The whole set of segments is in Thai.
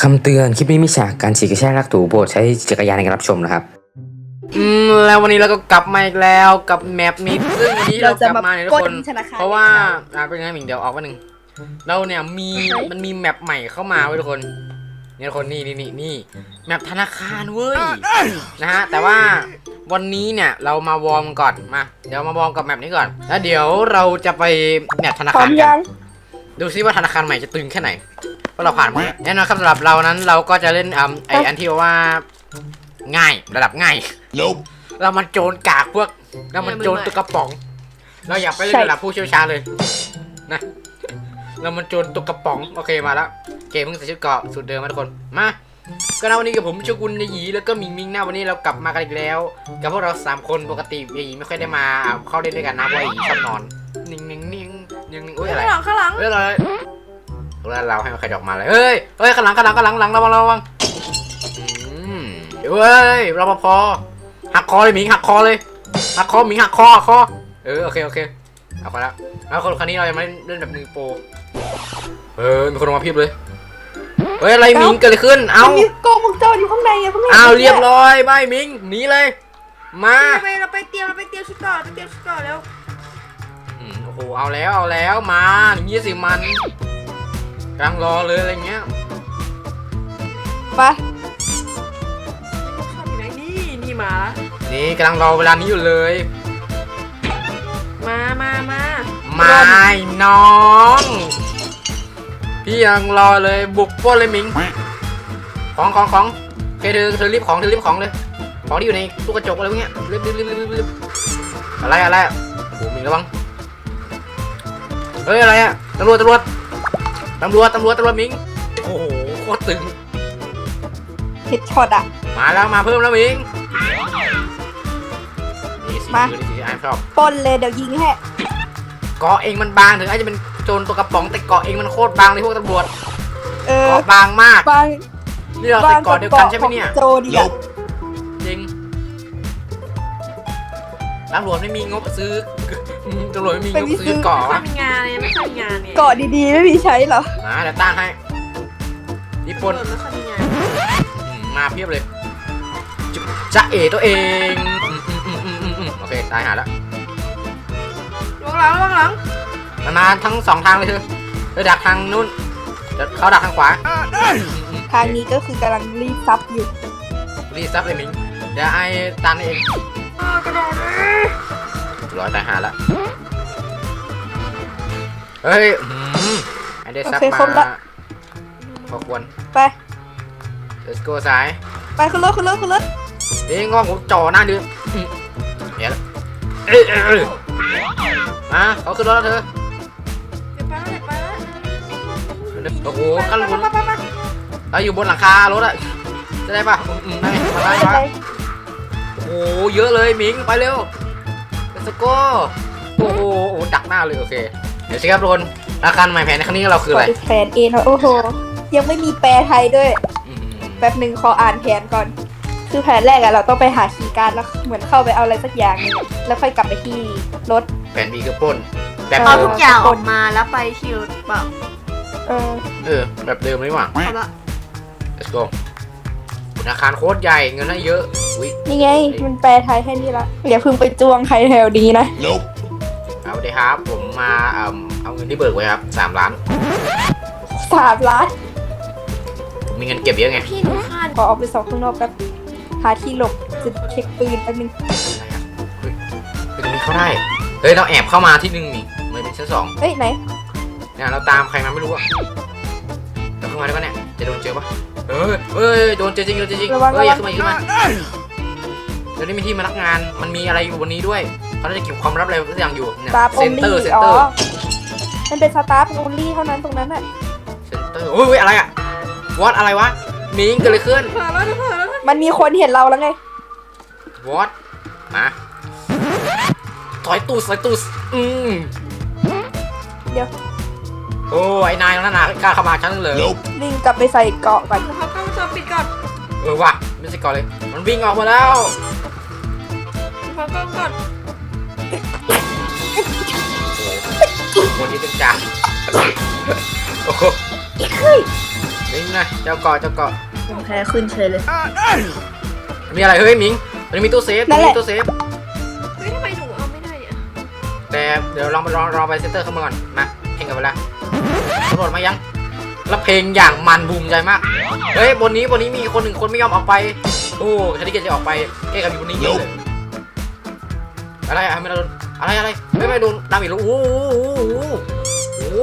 คำเตือนคลิปนี้มีฉากการฉีกกระชากลากถูโปรดใช้จักรยานในการรับชมนะครับแล้ววันนี้เราก็กลับมาอีกแล้วกับแมปนี้ซึ่งวันนี้เรากลับมาเนี่ยทุกคนเพราะว่าเป็นไงหมิงเดี๋ยวออกวันหนึ่งเราเนี่ยมันมีแมปใหม่เข้ามาเว้ยทุกคนเนี่ยทุกคนนี่แมปธนาคารเว้ยนะฮะแต่ว่าวันนี้เนี่ยเรามาวอร์มก่อนมาเดี๋ยวมาวอร์มกับแมปนี้ก่อนแล้วเดี๋ยวเราจะไปแมปธนาคารกันดูซิว่าธนาคารใหม่จะตึงแค่ไหนเพราะเราผ่านมาแน่นอนครับสำหรับเรานั้นเราก็จะเล่นอันที่ว่าง่ายระดับง่ายเรามันโจรกากพวกเรามันโจรตุกกระป๋องเราอยากไปเล่นระดับผู้เชี่ยวชาญเลยนะเรามันโจรตุกกระป๋องโอเคมาแล้วเกมเพิ่งใส่ชุดเกราะสุดเดิมมาทุกคนมาก็นะวันนี้กับผมโชกุนยาหยีแล้วก็มิงหน้าวันนี้เรากลับมากันอีกแล้วกับพวกเรา3คนปกติยาหยีไม่ค่อยได้มาเข้าเล่นด้วยกันนะเพราะยาหยีชอบนอนนิ่งอุ้ยอะไรข้างหลังเฮ้ยอะไรเราให้มันใครออกมาเลยเฮ้ยข้างหลังระวังเฮ้ยรปภหักคอเลยหมิงหักคอเลยหักคอหมิงหักคอโอเคเอาไปแล้วคนครั้งนี้เราจะมาเล่นแบบ1 โปรมีคนมาเพียบเลยเฮ้ยอะไรหมิงเกิดอะไรขึ้นเอามีกล้องวงจรอยู่ข้างในเรียบร้อยบายหมิงหนีเลยมาเราไปเตรียมชุดก่อนแล้วโอ้โหเอาแล้วมาอย่างนี้สิมันกำลังรอเลยอะไรเงี้ยไปชอบอยู่ไหนนี่มานี่กำลังรอเวลานี้อยู่เลยมาน้องพี่ยังรอเลยบุกปล้นเลยมิงของโอเคเธอรีบของเลยของที่อยู่ในตู้กระจกอะไรพวกเนี้ยรีบอะไรโอ้มิงระวังเฮ้ยอะไรอะตำรวจมิงโอ้โหโคตรตึงเฮดช็อตอะมาแล้วมาเพิ่มแล้วมิงนี่สีไอ้ชอบปนเลยเดี๋ยวยิงให้เกาะเองมันบางถึงอาจจะเป็นโจรตัวกระป๋องแต่เกาะเองมันโคตรบางเลยพวกตำรวจเกาะบางมากนี่เราใส่เกาะเดียวกันใช่ไหมเนี่ยโจดีอะจริงตำรวจไม่มีงบซื้อตำรวจไม่มีงบซื้อเกาะไม่มีงานเลยไม่ใช่งานเนี่ยเกาะดีๆไม่มีใช้หรอมาเดี๋ยวต้านให้ญี่ปุ่นมาเพียบเลยจะตัวเองโอเคตายหาแล้วระวังหลังมันมาทั้ง2 ทางเลยเธอดักทางนู้นเขาดักทางขวาทางนี้ก็คือกำลังรีบซับอยู่เลยมิงเดี๋ยวไอ้ตันเองกระโดดร้อยตายหาแล้วเฮ้ยไอเดซับมาพอควรไป let's go สายไปขึ้นรถเอ้ยงอผมจ่อหน้าดื้อเดี๋ยวเขาขึ้นรถแล้วเธอโอ้โหกันบนเราอยู่บนหลังคารถอะจะได้ป่ะได้โอ้โหเยอะเลยมิงไปเร็วlet's go โอ้โหดักหน้าเลยโอเคเดี๋ยวสิครับทุกคนราคาใหม่แผนในครั้งนี้เราคืออะไรแผนเองโอ้โหยังไม่มีแปลไทยด้วยแป๊บหนึ่งขออ่านแผนก่อนคือแผนแรกอะเราต้องไปหาคีย์การ์ดแล้วเหมือนเข้าไปเอาอะไรสักอย่างนึงแล้วค่อยกลับไปที่รถแผน B คือปล้นเอาทุกอย่างออกมาแล้วไปที่รถเปล่าแบบเดิมเลยว่ะ let's go ธนาคารโคตรใหญ่เงินให้เยอะนี่ไงมันแปลไทยให้นี่ละอย่าเพิ่งไปจ้วงใครแถวนี้นะเอาเลยครับผมมาเอาเงินที่เบิกไว้ครับ3 ล้านผมมีเงินเก็บเยอะไงพี่หนูคาดขอออกไปสอบข้างนอกกันหาที่หลบจะเช็คปืนแป๊บนึงตรงนี้เข้าได้เฮ้ยเราแอบเข้ามาที่1นี่มันเป็นชั้น2 เฮ้ยไหนเนี่ยเราตามใครมาไม่รู้อะเราเข้ามาได้ปะเนี่ยจะโดนเจอปะเฮ้ยโดนเจอจริงเฮ้ยอย่าขึ้นมาเดี๋ยวนี้มีที่มานักงานมันมีอะไรอยู่บนนี้ด้วยเขาจะเก็บความลับอะไรทุกอย่างอยู่เนี่ยเซ็นเตอร์มันเป็นสตาฟโอลี่เท่านั้นตรงนั้นอะเซ็นเตอร์โอ้ยอะไรอะวอตอะไรวะมิงเกิดอะไรขึ้นมันมีคนเห็นเราแล้วไงวอตมาถอยตู้เดี๋ยวโอ้ไอ้นายนั่นน่ะกล้าเข้ามาชั้นเลยวิ่งกลับไปใส่เกาะก่อนเขาก็จะปิดก่อนว่ะไม่ใช่เกาะเลยมันวิ่งออกมาแล้วเขาก็ก่อนคนที่เป็นจ่าโอ้โหมิงนะเจ้าเกาะผมแพ้ขึ้นเฉยเลยมีอะไรเฮ้ยมิงมันมีตู้เซฟมีตู้เซฟเฮ้ยทำไมหนูเอาไม่ได้เนี่ยแต่เดี๋ยวลองรอไปเซนเตอร์เข้ามาก่อนมาเพลงกันไปละตำรวจมายังแล้วเพลงอย่างมันบูมใจมากเฮ้ยบนนี้มีคนหนึ่งคนไม่ยอมออกไปโอ้ฉันที่จะออกไปเอ๊ะกับอยู่บนนี้เยอะเลยอะไรไม่โดนอะไรไม่โดนดาเมจแล้วโอ้โห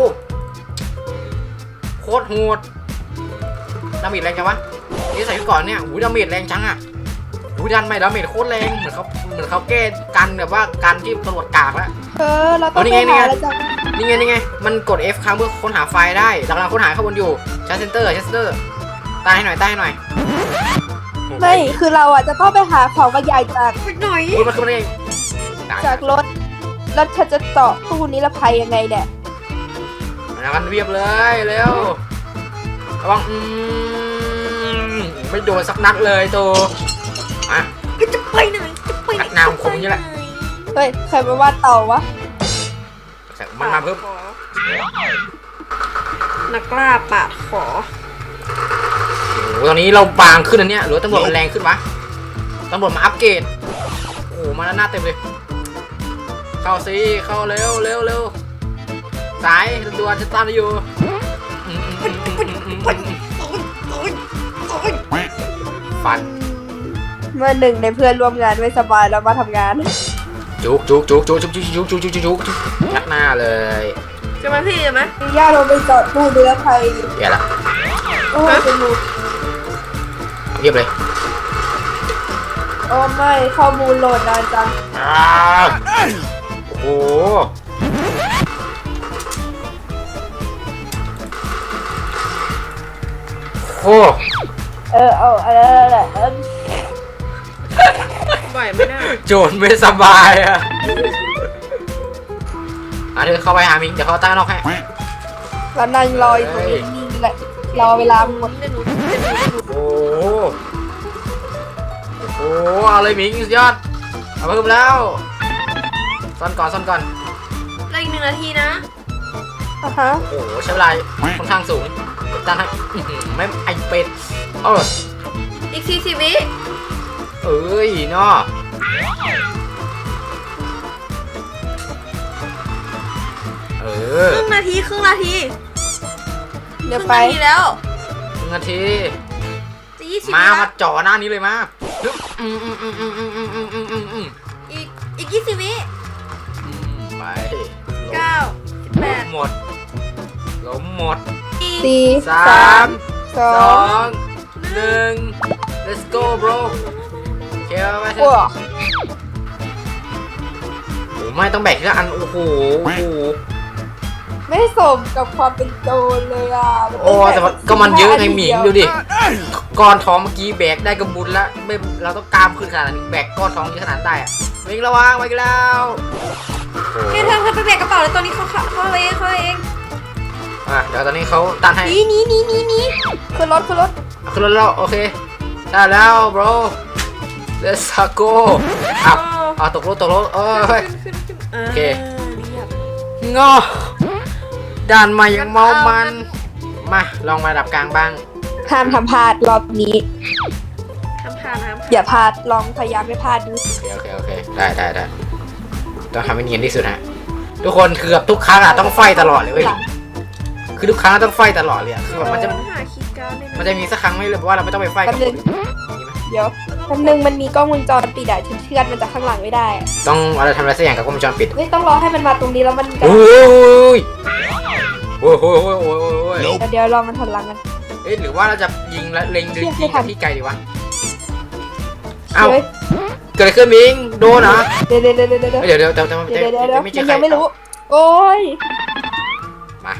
โคตรโหดดาเมจแรงจังวะนี่ใส่ก่อนเนี่ยดาเมจแรงจังอ่ะดันไม่ดาเมจโคตรแรงเหมือนเขาแก้กันแบบว่าการที่ตำรวจกากแล้วเราต้องไปหาแล้วจ้ะนี่ไงมันกด F ค้างเพื่อค้นหาไฟล์ได้กำลังค้นหาข้างบนอยู่ชั้นเซนเตอร์ตายให้หน่อยไม่คือเราจะต้องไปหาของบรรยายจากหน่อยมันคืออะไรจากรถแล้วฉันจะต่อตู้นิรภัยยังไงเนี่ยมันเรียบเลยเร็วระวังไม่โดนสักนัดเลยตัวจะไปไหนนักน้ำคงนี่แหละเฮ้ยใครมาว่าเต่าวะมันมาเพิ่มนักล่าปาดขอโอ้ตอนนี้เราบางขึ้นอันเนี้ยหรือตำรวจมันแรงขึ้นวะตำรวจมาอัปเกรดโอ้มาแล้วหน้าเต็มเลยเข้าสิเข้าเร็วสายด่วนจะตามอยู่ฟันเมื่อหนึ่งในเพื่อนร่วมงานไม่สบายแล้วมาทำงานจุกยัดหน้าเลยจะมาพี่จะไหมย่าเราไปจอดตู้นิรภัยเดี๋ยวละโอ้เป็นมูเรียบเลยโอ้ไม่ข้อมูลโหลดนานจังโอ้โหเอาอะไรบ่อยไม่ได้โจรไม่สบายอ่ะเดี๋ยวเข้าไปหามิงเดี๋ยวเขาตั้งนอกให้เรานั่งรออยู่ตรงนี้แหละรอเวลาหมดโอ้อะไรมิงสุดยอดเอาเพิ่มแล้วซ่อนก่อนได้อีก1 นาทีนะโอ้ใช้เวลาค่อนข้างสูงตั้งให้ไม่ไอเป็ดอีก40 วิเอ้ยเนาะครึ่งนาทีเดี๋ยวไปแล้ว 1 นาทีจะ20 มาจ่อหน้านี้เลยมาอีก20 วิไป 9 8 หมดล้มหมด 4 3 2 1 let's go bro เกี่ยวไปไม่ต้องแบกทีละอันโอ้โหไม่สมกับความเป็นโจรเลยแต่ก็มันเยอะไงหมิงดูดิก้อนท้องเมื่อกี้แบกได้กระบุญแล้วไม่เราต้องกล้ามขึ้นขนาดนี้แบกก้อนท้องเยอะขนาดได้อะมิงระวังไปกันแล้วเธอไปแบกกระเป๋าเลยตอนนี้เขาเองเดี๋ยวตอนนี้เขาตันให้นี่ขึ้นรถแล้วโอเคได้แล้ว bro let's go ตกรถโอเคงอด่านใหม่ยังเมามันมาลองมาดับกลางบ้างห้ามทำพลาดรอบนี้อย่าพลาดลองพยายามไม่พลาดดูโอเคได้ต้องทำให้เนียนที่สุดฮะทุกคนเกือบทุกครั้งต้องไฟตลอดเลยเว้ยคือทุกครั้งต้องไฟตลอดเลยคือแบบมันจะมีสักครั้งไม่เลยว่าเราไม่ต้องไปไฟกับคนเดี๋ยวคำนึงมันมีกล้องวงจรปิดเชื่อมันจะข้างหลังไม่ได้ต้องอะไรทำอะไรสักอย่างกับกล้องวงจรปิดต้องรอให้มันมาตรงนี้แล้วมันโอ้ยเดี๋ยวรอมันถอยหลังกันหรือว่าเราจะยิงและเล็งที่ไกลดีวะเกิดอะไรขึ้นมิงโดนเหรอเดี๋ยวยังไม่รู้โอ้ยมา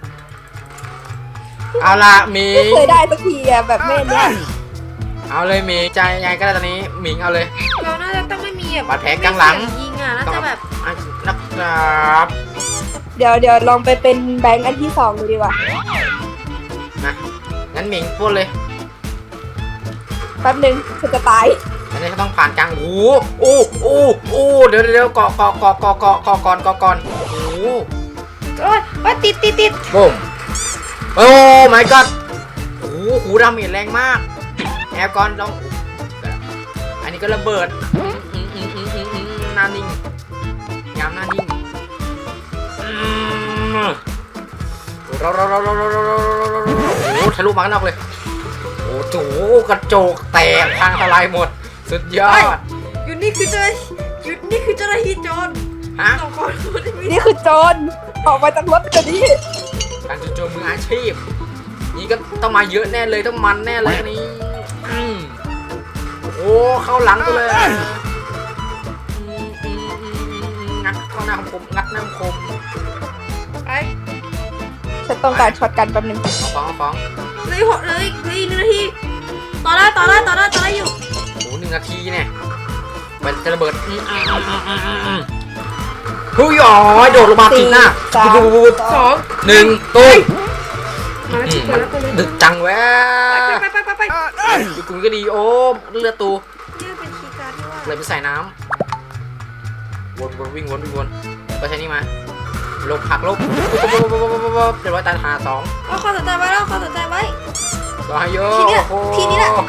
เอาละมิงเคยได้สักทีแบบแม่เนี่ยเอาเลยมิงใจยังไงก็ได้ตอนนี้มิงเอาเลยเราน่าจะต้องไม่มีบาดแผลกลางหลังยิงน่าจะแบบนะครับเดี๋ยวลองไปเป็นแบงค์อันที่2ดูดีกว่านะงั้นมิงพูดเลยแป๊บนึงฉันจะตายอันนี้เขาต้องผ่านกลางโอ้เดี๋ยวเกาะก่อนโอ้ยติดบุ้มโอ้ my god โอ้หูดาเมจแรงมากแอบก่อนต้องอันนี้ก็ระเบิดหน้านิ่งยามหน้านิ่งโอ้ทะลุมาข้างนอกเลยโอ้โหกระจกแตกพังทลายหมดสุดยอดอยู่นี่คือเจ้าหน้าที่โจรฮะสองคนนี่คือโจรออกมาจากรถเดี๋ยวนี้การโจมมืออาชีพนี่ก็ต้องมาเยอะแน่เลยต้องมันแน่เลยอันนี้โอ้เข้าหลังกูเลยงัดเข้าหน้าคมงัดหน้าคมไปฉันต้องการช็อตกันแป๊บนึงเอาฟ้องเลย1 นาทีต่อได้อยู่โอ้1 นาทีเนี่ยมันจะระเบิดเฮ้ยอ๋อโดดลงมาผิดหน้า 2 1ตุ้ยมาแล้วชิบแล้วตัวเลยดึกจังแวะไปดูกูก็ดีโอ้เลือดตูนี่เป็นคีย์การ์ดที่ว่าเลยไปใส่น้ำวนวิ่งวนก็ใช้นี่มาลบหักลบเรียบร้อยตายหา2 เอาข้อสนใจไว้แล้วข้อสนใจไว้รอโยทีนี้แหละ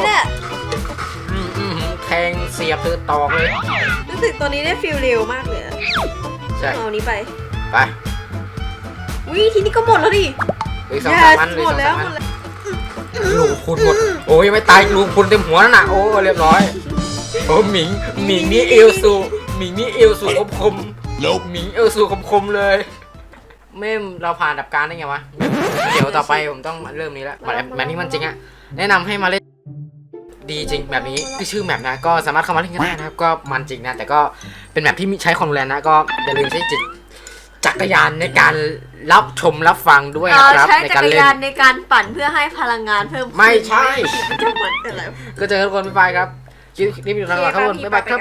แทงเสียบเธอตอกเลยรู้สึกตัวนี้ได้ฟีลเร็วมากเลยอะใช่เอานี้ไปไปวิทีนี้ก็หมดแล้วดิเหลือ2-3 มันเลยหมดแล้วลูกคุณหมดโอ้ยไม่ตายลูกคุณเต็มหัวนั่นน่ะโอ้เรียบร้อยโอ้หมิงนี่เอลซูหมิงนี่เอลซูคมหมิงเอลซูคมเลยเม่มเราผ่านดับการได้ไงวะเดี๋ยวต่อไปผมต้องเริ่มนี้แล้วแบบนี้มันจริงอะแนะนำให้มาเล่นดีจริงแบบนี้คือชื่อแมปนะก็สามารถเข้ามาเล่นกันได้นะครับก็มันจริงนะแต่ก็เป็นแมปที่ใช้ความรุนแรงนะก็อย่าลืมใช้จักรยานในการรับชมรับฟังด้วยนะครับใช้ในจัการกรเล่นยานในการปั่นเพื่อให้พลังงานเพิ่มขึ้นไม่ใช่มันจะเหมือนอะไรก็เจอทุกคนบ๊ายบายครับคลิปนี้อยู่ทางหลังครับทุกคนบ๊ายบายครับ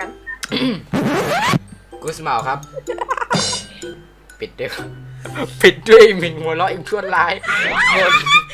กูสมาครับปิดด้วยหมิงหัวเราะอีกชั่วร้าย